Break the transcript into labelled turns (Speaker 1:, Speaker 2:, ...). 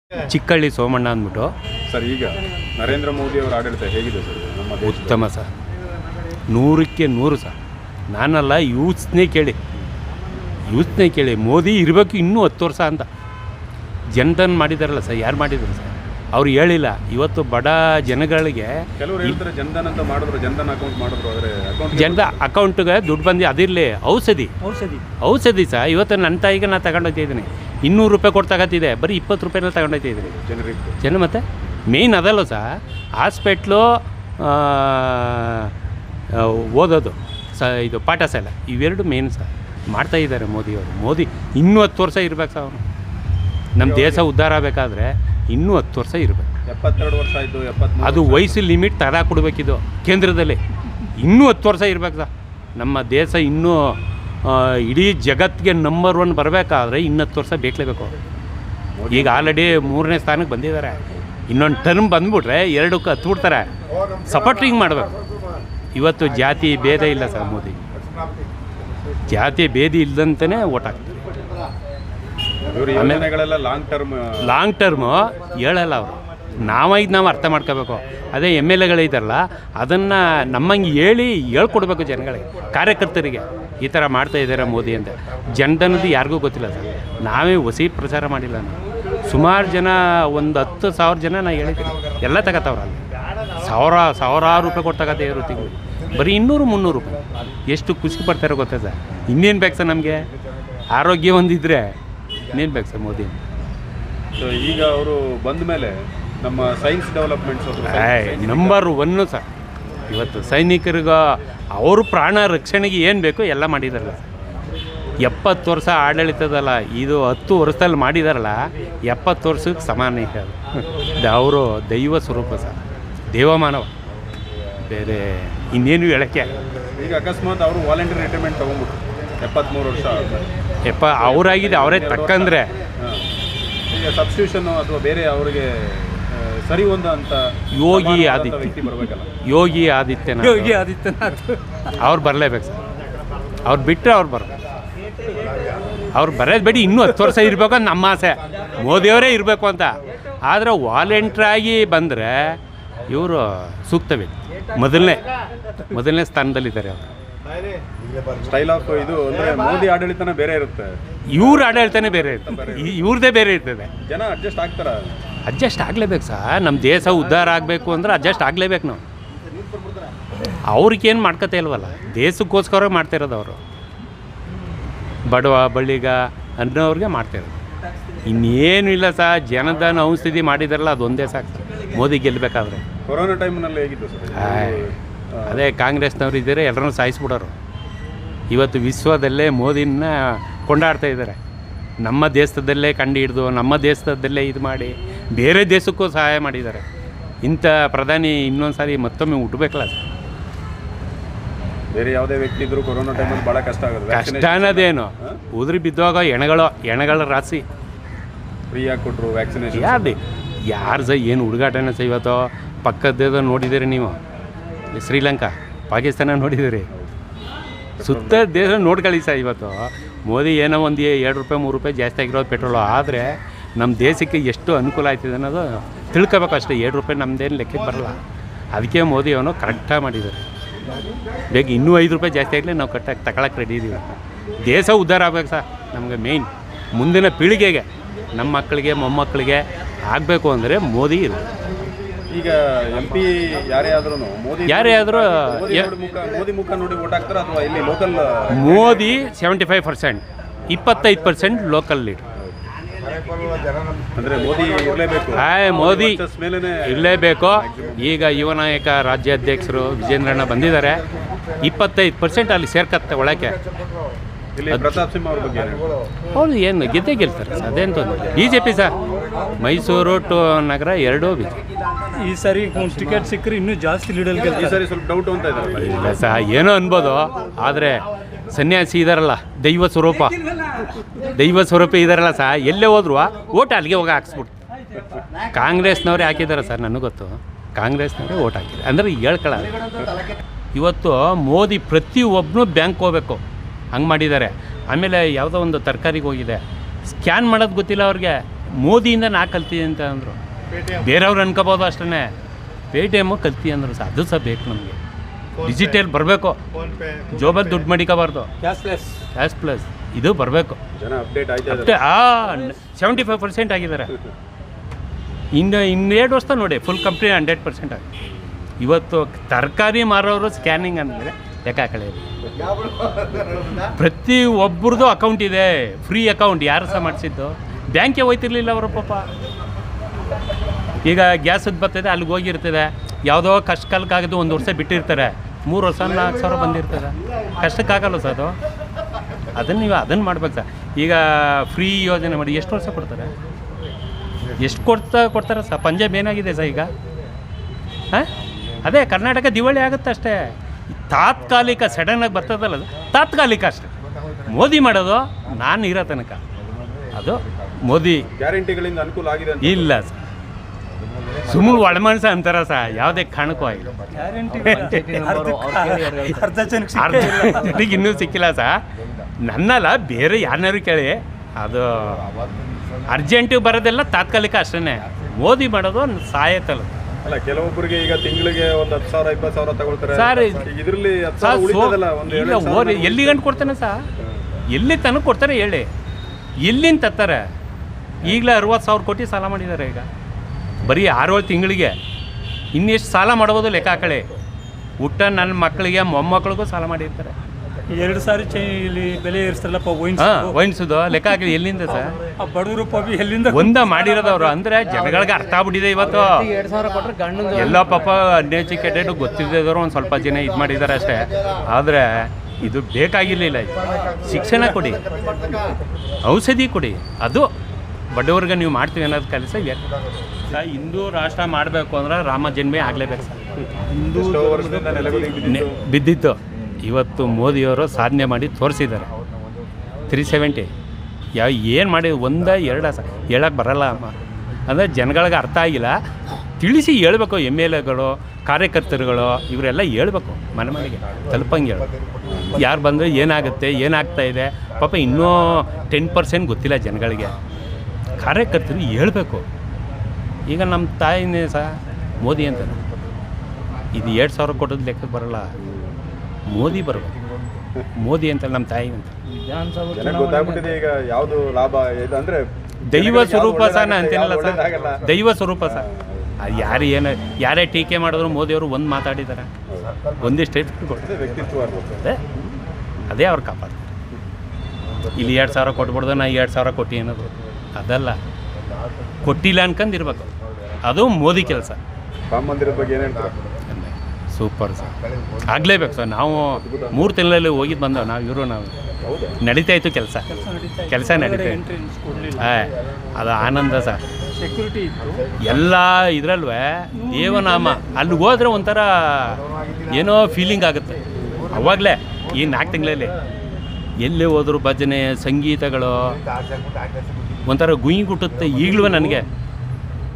Speaker 1: ಚಿಕ್ಕಳ್ಳಿ ಸೋಮಣ್ಣ ಅಂದ್ಬಿಟ್ಟು.
Speaker 2: ಸರ್, ಈಗ ನರೇಂದ್ರ ಮೋದಿ ಅವರ ಆಡಳಿತ ಹೇಗಿದೆ ಸರ್ ನಮ್ಮ ದೇಶದಲ್ಲಿ?
Speaker 1: ಉತ್ತಮ ಸರ್, 100ಕ್ಕೆ 100 ಸರ್. ನಾನಲ್ಲ, ಯೂತ್ಸ್ನೇ ಕೇಳಿ ಮೋದಿ ಇರಬೇಕು ಇನ್ನೂ 10 ವರ್ಷ ಅಂತ. ಜನಧನ್ ಮಾಡಿದಾರಲ್ಲ ಸರ್, ಯಾರು ಮಾಡಿದ್ರು ಸರ್? ಅವ್ರು ಹೇಳಿಲ್ಲ. ಇವತ್ತು ಬಡ ಜನಗಳಿಗೆ
Speaker 2: ಕೆಲವರು ಹೇಳ್ತಾರೆ ಜನಧನ್ ಅಂತ ಮಾಡಿದ್ರು, ಜನಧನ್ ಅಕೌಂಟ್ ಮಾಡಿದ್ರು, ಆದರೆ
Speaker 1: ಜನದ ಅಕೌಂಟ್ಗೆ ದುಡ್ಡು ಬಂದು ಅದಿರಲಿ. ಔಷಧಿ ಸರ್. ಇವತ್ತು ನನ್ನ ತಾಯಿಗೆ ನಾನು ತಗೊಂಡೋಗ್ತಿದ್ದೀನಿ, 200 ರೂಪಾಯಿ ಕೊಟ್ಟು ತಗೋತಿದ್ದೆ, ಬರೀ 20 ರೂಪಾಯಿನಲ್ಲಿ ತಗೊಂಡೋಗ್ತಿದ್ದೀನಿ
Speaker 2: ಜನರಿಗೆ.
Speaker 1: ಮತ್ತು ಮೇಯ್ನ್ ಅದಲ್ಲ ಸರ್, ಹಾಸ್ಪೆಟ್ಲು, ಓದೋದು ಇದು ಪಾಠಶಾಲೆ, ಇವೆರಡು ಮೇಯ್ನ್ ಸರ್ ಮಾಡ್ತಾಯಿದ್ದಾರೆ ಮೋದಿಯವರು. ಮೋದಿ ಇನ್ನೂ 10 ವರ್ಷ ಇರ್ಬೇಕು ಸರ್. ಅವನು ನಮ್ಮ ದೇಶ ಉದ್ಧಾರ ಆಗಬೇಕಾದ್ರೆ ಇನ್ನೂ 10 ವರ್ಷ ಇರಬೇಕು.
Speaker 2: 72 ವರ್ಷ ಆಯಿತು, 73.
Speaker 1: ಅದು ವಯಸ್ಸು ಲಿಮಿಟ್ ತಡ ಕೊಡಬೇಕಿದು ಕೇಂದ್ರದಲ್ಲಿ. ಇನ್ನೂ 10 ವರ್ಷ ಇರ್ಬೇಕು ಸರ್. ನಮ್ಮ ದೇಶ ಇನ್ನೂ ಇಡೀ ಜಗತ್ತಿಗೆ ನಂಬರ್ 1 ಬರಬೇಕಾದ್ರೆ ಇನ್ನೂ 10 ವರ್ಷ ಬೇಕಲೇಬೇಕು. ಈಗ ಆಲ್ರೆಡಿ 3ನೇ ಸ್ಥಾನಕ್ಕೆ ಬಂದಿದ್ದಾರೆ. ಇನ್ನೊಂದು ಟರ್ಮ್ ಬಂದುಬಿಟ್ರೆ 2ಕ್ಕೆ ಹತ್ಬಿಡ್ತಾರೆ. ಸಪೋರ್ಟಿಂಗ್ ಮಾಡಬೇಕು. ಇವತ್ತು ಜಾತಿ ಭೇದ ಇಲ್ಲ ಸರ್. ಮೋದಿ ಜಾತಿ ಭೇದ ಇಲ್ಲದಂತಲೇ ಓಟ್ ಹಾಕ್ತಾರೆ. ಲಾಂಗ್ ಟರ್ಮು ಹೇಳಲ್ಲ ಅವರು. ನಾವು ಅರ್ಥ ಮಾಡ್ಕೋಬೇಕು. ಅದೇ MLA ಇದ್ದಾರಲ್ಲ, ಅದನ್ನು ನಮ್ಮಂಗೆ ಹೇಳ್ಕೊಡ್ಬೇಕು ಜನಗಳಿಗೆ, ಕಾರ್ಯಕರ್ತರಿಗೆ. ಈ ಥರ ಮಾಡ್ತಾ ಇದ್ದಾರೆ ಮೋದಿ ಅಂತ. ಜನಧನದ್ದು ಯಾರಿಗೂ ಗೊತ್ತಿಲ್ಲ ಸರ್. ನಾವೇ ಹೊಸಿ ಪ್ರಚಾರ ಮಾಡಿಲ್ಲ. ನಾವು ಸುಮಾರು ಜನ, ಒಂದು 10,000 ಜನ ನಾನು ಹೇಳಿದ್ದೀನಿ, ಎಲ್ಲ ತಗೋತಾವ್ರ. ಅಲ್ಲಿ ಸಾವಿರಾರು ರೂಪಾಯಿ ಕೊಟ್ಟು ತಗೋತಾ ಇರೋ ತಿಂಗಳು ಬರೀ 200-300 ರೂಪಾಯಿ. ಎಷ್ಟು ಖುಷಿ ಪಡ್ತಾರೋ ಗೊತ್ತಾ ಸರ್? ಇನ್ನೇನು ಬೇಕು ಸರ್ ನಮಗೆ? ಆರೋಗ್ಯ ಒಂದಿದ್ರೆ ಇನ್ನೇನು ಬೇಕು ಸರ್ ಮೋದಿ?
Speaker 2: ಈಗ ಅವರು ಬಂದ ಮೇಲೆ ನಮ್ಮ ಸೈನ್ಸ್ ಡೆವಲಪ್ಮೆಂಟ್ಸ್
Speaker 1: ನಂಬರ್ 1 ಸರ್. ಇವತ್ತು ಸೈನಿಕರಿಗೆ ಅವರು ಪ್ರಾಣ ರಕ್ಷಣೆಗೆ ಏನು ಬೇಕೋ ಎಲ್ಲ ಮಾಡಿದಾರಲ್ಲ. 70 ವರ್ಷ ಆಡಳಿತದಲ್ಲ, ಇದು 10 ವರ್ಷದಲ್ಲಿ ಮಾಡಿದಾರಲ್ಲ. 70 ವರ್ಷಕ್ಕೆ ಸಮಾನ ಇದೆ ಅದು. ಅವರು ದೈವ ಸ್ವರೂಪ ಸರ್, ದೇವಮಾನವ, ಬೇರೆ ಇನ್ನೇನು ಹೇಳೋಕ್ಕೆ.
Speaker 2: ಈಗ ಅಕಸ್ಮಾತ್ ಅವರು ವಾಲಂಟಿಯರ್ ರಿಟೈರ್ಮೆಂಟ್ ತೊಗೊಂಡ್ಬಿಟ್ರು 73 ವರ್ಷ
Speaker 1: ಅವರಾಗಿದೆ, ಅವರೇ ತಕ್ಕಂದ್ರೆ
Speaker 2: ಈಗ ಸಬ್ಸ್ಟಿಟ್ಯೂಷನ್ ಅಥವಾ ಬೇರೆ ಅವರಿಗೆ ಸರಿ ಒಂದು ಅಂತ
Speaker 1: ಯೋಗಿ
Speaker 2: ಆದಿತ್ಯನಾಥ್
Speaker 1: ಅವ್ರು ಬರಲೇಬೇಕು ಸರ್. ಅವ್ರು ಬಿಟ್ಟರೆ ಅವ್ರು ಬರಬೇಕು. ಅವ್ರು ಬರೋದು ಬೇಡಿ, ಇನ್ನೂ 10 ವರ್ಷ ಇರಬೇಕು ಅಂತ ನಮ್ಮ ಆಸೆ. ಮೋದಿಯವರೇ ಇರಬೇಕು ಅಂತ. ಆದರೆ ವಾಲಂಟ್ರಾಗಿ ಬಂದರೆ ಇವರು ಸೂಕ್ತ ವ್ಯಕ್ತಿ. ಮೊದಲನೇ ಸ್ಥಾನದಲ್ಲಿದ್ದಾರೆ ಅವರು.
Speaker 2: ಸ್ಟೈಲ್ ಆಫ್ ಇದು ಅಂದರೆ ಮೋದಿ ಆಡಳಿತನೇ ಬೇರೆ ಇರುತ್ತೆ,
Speaker 1: ಇವ್ರ ಆಡಳಿತನೇ ಬೇರೆ ಇರ್ತದೆ, ಇವ್ರದ್ದೇ ಬೇರೆ ಇರ್ತದೆ.
Speaker 2: ಜನ ಅಡ್ಜಸ್ಟ್ ಆಗ್ತಾರೆ.
Speaker 1: ಅಡ್ಜಸ್ಟ್ ಆಗಲೇಬೇಕು ಸರ್. ನಮ್ಮ ದೇಶ ಉದ್ಧಾರ ಆಗಬೇಕು ಅಂದ್ರೆ ಅಡ್ಜಸ್ಟ್ ಆಗಲೇಬೇಕು ನಾವು. ಅವ್ರಿಗೇನು ಮಾಡ್ಕೊತಾ ಇಲ್ವಲ್ಲ, ದೇಶಕ್ಕೋಸ್ಕರ ಮಾಡ್ತಿರೋದು ಅವರು. ಬಡವ ಬಳ್ಳಿಗ ಅನ್ನೋವ್ರಿಗೆ ಮಾಡ್ತಿರೋದು, ಇನ್ನೇನು ಇಲ್ಲ ಸರ್. ಜನಧನ ಔಷಧಿ ಮಾಡಿದಾರಲ್ಲ, ಅದೊಂದೇ ಸಾಕು ಮೋದಿ ಗೆಲ್ಲಬೇಕಾದ್ರೆ.
Speaker 2: ಕೊರೋನಾ ಟೈಮ್ನಲ್ಲಿ ಹೇಗಿತ್ತು ಸರ್?
Speaker 1: ಅದೇ ಕಾಂಗ್ರೆಸ್ನವ್ರು ಇದ್ದಾರೆ, ಎಲ್ಲರನ್ನೂ ಸಾಯಿಸ್ಬಿಡೋರು. ಇವತ್ತು ವಿಶ್ವದಲ್ಲೇ ಮೋದಿನ ಕೊಂಡಾಡ್ತಾ ಇದ್ದಾರೆ. ನಮ್ಮ ದೇಶದಲ್ಲೇ ಕಂಡು ಹಿಡಿದು, ನಮ್ಮ ದೇಶದಲ್ಲೇ ಇದು ಮಾಡಿ ಬೇರೆ ದೇಶಕ್ಕೂ ಸಹಾಯ ಮಾಡಿದ್ದಾರೆ. ಇಂಥ ಪ್ರಧಾನಿ ಇನ್ನೊಂದು ಸಾರಿ ಮತ್ತೊಮ್ಮೆ ಹುಟ್ಟಬೇಕಲ್ಲ ಸರ್.
Speaker 2: ಬೇರೆ ಯಾವುದೇ ವ್ಯಕ್ತಿ ಇದ್ದರೂ ಕೊರೋನಾ ಟೈಮಲ್ಲಿ ಭಾಳ ಕಷ್ಟ ಆಗುತ್ತೆ.
Speaker 1: ಕಷ್ಟ ಅನ್ನೋದೇನು, ಉದುರಿ ಬಿದ್ದಾಗ ಎಣಗಳ ರಾಶಿ
Speaker 2: ಫ್ರೀಯಾಗಿ ಕೊಟ್ಟರು ವ್ಯಾಕ್ಸಿನೇಷನ್.
Speaker 1: ಯಾರು ಸಹ ಏನು ಹುಡುಗಾಟನ ಸಹ. ಇವತ್ತು ಪಕ್ಕದ ನೋಡಿದ್ದೀರಿ ನೀವು, ಶ್ರೀಲಂಕಾ, ಪಾಕಿಸ್ತಾನ ನೋಡಿದ್ದೀರಿ, ಸುತ್ತ ದೇಶ ನೋಡ್ಕೊಳ್ಳಿ ಸರ್. ಇವತ್ತು ಮೋದಿ ಏನೋ ಒಂದು 2 ರೂಪಾಯಿ 3 ರೂಪಾಯಿ ಜಾಸ್ತಿ ಆಗಿರೋದು ಪೆಟ್ರೋಲು, ಆದರೆ ನಮ್ಮ ದೇಶಕ್ಕೆ ಎಷ್ಟು ಅನುಕೂಲ ಆಯ್ತಿದೆ ಅನ್ನೋದು ತಿಳ್ಕೊಬೇಕು ಅಷ್ಟೇ. 2 ರೂಪಾಯಿ ನಮ್ಮದೇನು ಲೆಕ್ಕಕ್ಕೆ ಬರಲ್ಲ. ಅದಕ್ಕೆ ಮೋದಿ ಅವನು ಕರೆಕ್ಟಾಗಿ ಮಾಡಿದ್ದಾರೆ. ಬೇಗ ಇನ್ನೂ 5 ರೂಪಾಯಿ ಜಾಸ್ತಿ ಆಗಲಿ, ನಾವು ಕರೆಕ್ಟಾಗಿ ತಗೊಳಕ್ಕೆ ರೆಡಿ ಇದ್ದೀವಿ. ದೇಶ ಉದ್ಧಾರ ಆಗ್ಬೇಕು ಸರ್. ನಮಗೆ ಮೇಯ್ನ್ ಮುಂದಿನ ಪೀಳಿಗೆಗೆ, ನಮ್ಮ ಮಕ್ಕಳಿಗೆ ಮೊಮ್ಮಕ್ಕಳಿಗೆ ಆಗಬೇಕು ಅಂದರೆ ಮೋದಿ ಇದು.
Speaker 2: ಈಗ MP ಯಾರೇ ಆದ್ರೂ ಮೋದಿ ಮುಖ ನೋಡಿ ವೋಟ್ ಹಾಕ್ತಾರೆ ಅಥವಾ ಇಲ್ಲಿ ಲೋಕಲ್?
Speaker 1: Modi 75%, 25% local lead.
Speaker 2: ಅಂದರೆ ಮೋದಿ ಇರಲೇಬೇಕು.
Speaker 1: ಮೋದಿ ಇರಲೇಬೇಕು. ಈಗ ಯುವ ನಾಯಕ ರಾಜ್ಯಾಧ್ಯಕ್ಷರು ವಿಜೇಂದ್ರಣ್ಣ ಬಂದಿದ್ದಾರೆ. 25% ಅಲ್ಲಿ ಸೇರ್ಕತ್ತೆ ಒಳಕ್ಕೆ.
Speaker 2: ಪ್ರತಾಪ್ ಸಿಂಹ ಅವ್ರ ಬಗ್ಗೆ
Speaker 1: ಹೌದು, ಏನು ಗೆದ್ದೇ ಗೆಲ್ತಾರೆ ಸರ್. ಅದೇನು ತೊಂದರೆ. BJP sir. ಮೈಸೂರು ನಗರ ಎರಡೂ BJP.
Speaker 3: ಈ ಸಾರಿ ಟಿಕೆಟ್ ಸಿಕ್ಕರೆ ಇನ್ನೂ ಜಾಸ್ತಿ ಲೀಡಲ್ಲಿ ಗೆಲ್ತಾರೆ.
Speaker 2: ಈ ಸಾರಿ ಸ್ವಲ್ಪ ಡೌಟ್ ಅಂತ ಇದ್ದಾರೆ.
Speaker 1: ಇಲ್ಲ ಸರ್, ಏನೋ ಅನ್ಬೋದು. ಆದರೆ ಸನ್ಯಾಸಿ ಇದ್ದಾರಲ್ಲ, ದೈವ ಸ್ವರೂಪ ಇದ್ದಾರಲ್ಲ ಸರ್, ಎಲ್ಲೇ ಹೋದ್ರು ಓಟ್ ಅಲ್ಲಿಗೆ ಹೋಗಿ ಹಾಕ್ಸ್ಬಿಟ್ಟು. ಕಾಂಗ್ರೆಸ್ನವರೇ ಹಾಕಿದ್ದಾರೆ ಸರ್, ನನಗೆ ಗೊತ್ತು. ಕಾಂಗ್ರೆಸ್ನವರೇ ಓಟ್ ಹಾಕಿದ್ದಾರೆ ಅಂದರೆ ಹೇಳ್ಕೊಳ್ಳ. ಇವತ್ತು ಮೋದಿ ಪ್ರತಿಯೊಬ್ಬನೂ ಬ್ಯಾಂಕ್ ಹೋಗ್ಬೇಕು, ಹಂಗೆ ಮಾಡಿದ್ದಾರೆ. ಆಮೇಲೆ ಯಾವುದೋ ಒಂದು ತರಕಾರಿಗೆ ಹೋಗಿದೆ, ಸ್ಕ್ಯಾನ್ ಮಾಡೋದು ಗೊತ್ತಿಲ್ಲ ಅವ್ರಿಗೆ. ಮೋದಿಯಿಂದ ನಾ ಕಲ್ತೀನಿ ಅಂತ ಅಂದರು. ಬೇರೆಯವ್ರು ಅನ್ಕೋಬೋದು ಅಷ್ಟೇ. ಪೇಟಿಎಮ್ಮು ಕಲ್ತಿ ಅಂದರು ಸಹ, ಅದು ಸಹ ಬೇಕು ನಮಗೆ. ಡಿಜಿಟಲ್ ಬರಬೇಕು, ಜೋಬಲ್ಲಿ ದುಡ್ಡು ಮಡಿಕೋಬಾರ್ದು. ಕ್ಯಾಶ್ ಪ್ಲಸ್ ಇದು ಬರಬೇಕು.
Speaker 2: ಜನ ಅಪ್ಡೇಟ್ ಆಯ್ತಾ
Speaker 1: ಅಷ್ಟೇ 75% ಆಗಿದ್ದಾರೆ. ಇನ್ನು 2 ವರ್ಷ ನೋಡಿ ಫುಲ್ ಕಂಪ್ನಿ 100% ಆಗಿ. ಇವತ್ತು ತರಕಾರಿ ಮಾರೋರು ಸ್ಕ್ಯಾನಿಂಗ್ ಅಂದರೆ ಲೆಕ್ಕ ಹಾಕೊಳ್ಳಿ. ಪ್ರತಿ ಒಬ್ರದ್ದು ಅಕೌಂಟ್ ಇದೆ, ಫ್ರೀ ಅಕೌಂಟ್. ಯಾರು ಸಹ ಮಾಡಿಸಿದ್ದು, ಬ್ಯಾಂಕಿಗೆ ಹೋಯ್ತಿರ್ಲಿಲ್ಲ ಅವರು ಪಾಪ. ಈಗ ಗ್ಯಾಸದ್ದು ಬರ್ತದೆ, ಅಲ್ಲಿಗೆ ಹೋಗಿರ್ತದೆ, ಯಾವುದೋ ಕಷ್ಟ ಕಾಲಕ್ಕಾಗದು 1 ವರ್ಷ ಬಿಟ್ಟಿರ್ತಾರೆ, 3 ವರ್ಷ 4 ಸಾವಿರ ಬಂದಿರ್ತದೆ. ಕಷ್ಟಕ್ಕಾಗಲ್ಲ ಸರ್ ಅದು. ಅದನ್ನು ನೀವು ಅದನ್ನು ಮಾಡ್ಬೇಕು ಸರ್. ಈಗ ಫ್ರೀ ಯೋಜನೆ ಮಾಡಿ ಎಷ್ಟು ವರ್ಷ ಕೊಡ್ತಾರೆ? ಎಷ್ಟು ಕೊಡ್ತಾರೆ ಸರ್? ಪಂಜಾಬ್ ಏನಾಗಿದೆ ಸರ್ ಈಗ? ಹಾಂ, ಅದೇ ಕರ್ನಾಟಕ ದಿವಾಳಿ ಆಗುತ್ತೆ ಅಷ್ಟೇ. ತಾತ್ಕಾಲಿಕ ಸಡನ್ನಾಗಿ ಬರ್ತದಲ್ಲ, ಅದು ತಾತ್ಕಾಲಿಕ ಅಷ್ಟೇ. ಮೋದಿ ಮಾಡೋದು ನಾನು ಇರೋ ತನಕ ಅದು ಮೋದಿ
Speaker 2: ಗ್ಯಾರಂಟಿಗಳಿಂದ ಅನುಕೂಲ ಆಗಿದೆ ಅಂತ
Speaker 1: ಇಲ್ಲ ಸರ್. ಸುಮ್ಮನೆ ಒಳಮನಸ ಅಂತಾರ ಸಹ, ಯಾವುದೇ ಕಾರಣಕ್ಕೂ ಆಗಿಲ್ಲ.
Speaker 3: ಅರ್ಧ ಜನಕ್ಕೆ
Speaker 1: ಅರ್ಧ ಜನಕ್ಕೆ ಇನ್ನೂ ಸಿಕ್ಕಿಲ್ಲ ಸಹ. ನನ್ನಲ್ಲ, ಬೇರೆ ಯಾರನ್ನಾರು ಕೇಳಿ, ಅದು ಅರ್ಜೆಂಟಿಗೆ ಬರೋದೆಲ್ಲ ತಾತ್ಕಾಲಿಕ ಅಷ್ಟೇ. ಮೋದಿ ಮಾಡೋದು ಸಾಯತ್ತಲ್ಲ.
Speaker 2: ಅಲ್ಲ, ಕೆಲವೊಬ್ಬರಿಗೆ ಈಗ ತಿಂಗಳಿಗೆ ಒಂದು 10,000 20,000 ತಗೊಳ್ತಾರೆ
Speaker 1: ಸರ್.
Speaker 2: ಇದರಲ್ಲಿ 10,000 ಉಳಿತದಲ್ಲ, ಒಂದು
Speaker 1: ಇಲ್ಲ, ಎಲ್ಲಿ ಗಂಟು ಕೊಡ್ತಾನೆ ಸಹ? ಎಲ್ಲಿ ತನಕ ಕೊಡ್ತಾರೆ ಹೇಳಿ? ಎಲ್ಲಿಂದ ತತ್ತಾರೆ? ಈಗಲೇ 60,000 ಕೋಟಿ ಸಾಲ ಮಾಡಿದ್ದಾರೆ ಈಗ, ಬರೀ 6-7 ತಿಂಗಳಿಗೆ. ಇನ್ನೆಷ್ಟು ಸಾಲ ಮಾಡ್ಬೋದು ಲೆಕ್ಕ ಹಾಕೊಳ್ಳಿ. ಊಟ ನನ್ನ ಮಕ್ಕಳಿಗೆ ಮೊಮ್ಮಕ್ಕಳಿಗೂ ಸಾಲ ಮಾಡಿರ್ತಾರೆ.
Speaker 3: 2 ಸಾರಿ ಇಲ್ಲಿ ಬೆಲೆ ಏರಿಸ್ತಾರಲ್ಲಪ್ಪ
Speaker 1: ವೈನ್ಸದು ಲೆಕ್ಕ ಹಾಕಿ ಎಲ್ಲಿಂದ ಸರ್?
Speaker 3: ಬಡವರು ಪಾಪಿ ಎಲ್ಲಿಂದ
Speaker 1: ಒಂದ ಮಾಡಿರೋದವ್ರು. ಅಂದರೆ ಜನಗಳಿಗೆ ಅರ್ಥ ಆಗ್ಬಿಟ್ಟಿದೆ ಇವತ್ತು. ಎಲ್ಲ ಪಾಪ ಅನ್ಎಜುಕೇಟೆಡ್ ಗೊತ್ತಿದ್ದವರು ಒಂದು ಸ್ವಲ್ಪ ಜನ ಇದು ಮಾಡಿದ್ದಾರೆ ಅಷ್ಟೇ. ಆದರೆ ಇದು ಬೇಕಾಗಿರಲಿಲ್ಲ. ಶಿಕ್ಷಣ ಕೊಡಿ, ಔಷಧಿ ಕೊಡಿ, ಅದು ಬಡವ್ರಿಗೆ ನೀವು ಮಾಡ್ತೀವಿ ಅನ್ನೋದು ಕೆಲಸ ಇದೆ. ಹಿಂದೂ ರಾಷ್ಟ್ರ ಮಾಡಬೇಕು ಅಂದ್ರೆ ರಾಮ ಜನ್ಮೇ ಆಗಲೇಬೇಕು ಸರ್.
Speaker 2: ಎಷ್ಟೋ ವರ್ಷದಿಂದ ನೆಲೆಗುದಿಗೆ
Speaker 1: ಬಿದ್ದಿತ್ತು. ಇವತ್ತು ಮೋದಿಯವರು ಸಾಧನೆ ಮಾಡಿ ತೋರಿಸಿದ್ದಾರೆ. 370 ಏನು ಮಾಡಿ 1-2 ಹೇಳಕ್ಕೆ ಬರಲ್ಲ ಅಮ್ಮ. ಅಂದರೆ ಜನಗಳಿಗೆ ಅರ್ಥ ಆಗಿಲ್ಲ. ತಿಳಿಸಿ ಹೇಳ್ಬೇಕು. MLAಗಳು, ಕಾರ್ಯಕರ್ತರುಗಳು ಇವರೆಲ್ಲ ಹೇಳ್ಬೇಕು, ಮನೆ ಮನೆಗೆ ತಲುಪಂಗೆ ಹೇಳ್ಬೇಕು. ಯಾರು ಬಂದರೆ ಏನಾಗುತ್ತೆ, ಏನಾಗ್ತಾಯಿದೆ ಪಾಪ ಇನ್ನೂ 10% ಗೊತ್ತಿಲ್ಲ ಜನಗಳಿಗೆ. ಕಾರ್ಯಕರ್ತರು ಹೇಳ್ಬೇಕು. ಈಗ ನಮ್ಮ ತಾಯಿನೇ ಸಹ ಮೋದಿ ಅಂತ, ಇದು 2,000 ಕೊಟ್ಟದ್ದು ಲೆಕ್ಕಕ್ಕೆ ಬರೋಲ್ಲ. ಮೋದಿ ಬರಬೇಕು, ಮೋದಿ ಅಂತ ನಮ್ಮ ತಾಯಿ ಅಂತ.
Speaker 2: ಜನಕ್ಕೆ ಗೊತ್ತಾಗ್ಬಿಟ್ಟಿದೆ ಈಗ ಯಾವುದು ಲಾಭ ಇದು ಅಂದ್ರೆ
Speaker 1: ದೈವ ಸ್ವರೂಪ ಸಹ ನಾನು ಅಂತೀನಲ್ಲ ಸರ್, ದೈವ ಸ್ವರೂಪ ಸರ್. ಯಾರು ಏನು ಯಾರೇ ಟೀಕೆ ಮಾಡಿದ್ರು ಮೋದಿಯವರು ಒಂದು ಮಾತಾಡಿದ್ದಾರೆ, ಒಂದೇ ಸ್ಟೇಟ್ಮೆಂಟ್ ಕೊಡ್ತಾರೆ.
Speaker 2: ವ್ಯಕ್ತಿತ್ವ
Speaker 1: ಅದೇ ಅವ್ರು ಕಾಪಾಡ್ತಾರೆ. ಇಲ್ಲಿ 2,000 ಕೊಟ್ಬಿಡ್ದು, ನಾ 2,000 ಕೊಟ್ಟು ಅನ್ನೋದು ಅದಲ್ಲ. ಕೊಟ್ಟಿಲ್ಲ ಅನ್ಕೊಂಡಿರ್ಬೇಕು, ಅದು ಮೋದಿ ಕೆಲಸ.
Speaker 2: ರಾಮ ಮಂದಿರದ ಬಗ್ಗೆ ಏನು ಹೇಳ್ತಾರೆ?
Speaker 1: ಸೂಪರ್ ಸರ್, ಆಗಲೇಬೇಕು ಸರ್. ನಾವು 3 ತಿಂಗಳಲ್ಲಿ ಹೋಗಿದ್ದು ಬಂದವು. ನಾವು ನಡೀತಾ ಇತ್ತು ಕೆಲಸ ನಡೀತಾ ಇತ್ತು. ಅದು ಆನಂದ ಸರ್.
Speaker 3: ಸೆಕ್ಯೂರಿಟಿ ಇತ್ತು
Speaker 1: ಎಲ್ಲ ಇದರಲ್ವ ದೇವನಾಮ. ಅಲ್ಲಿಗೆ ಹೋದ್ರೆ ಒಂಥರ ಏನೋ ಫೀಲಿಂಗ್ ಆಗುತ್ತೆ ಅವಾಗಲೇ. ಈ 4 ತಿಂಗಳಲ್ಲಿ ಎಲ್ಲೇ ಹೋದ್ರು ಭಜನೆ ಸಂಗೀತಗಳು ಒಂಥರ ಗುಂಯಿ ಗುಟ್ಟುತ್ತೆ ಈಗಲೂ ನನಗೆ.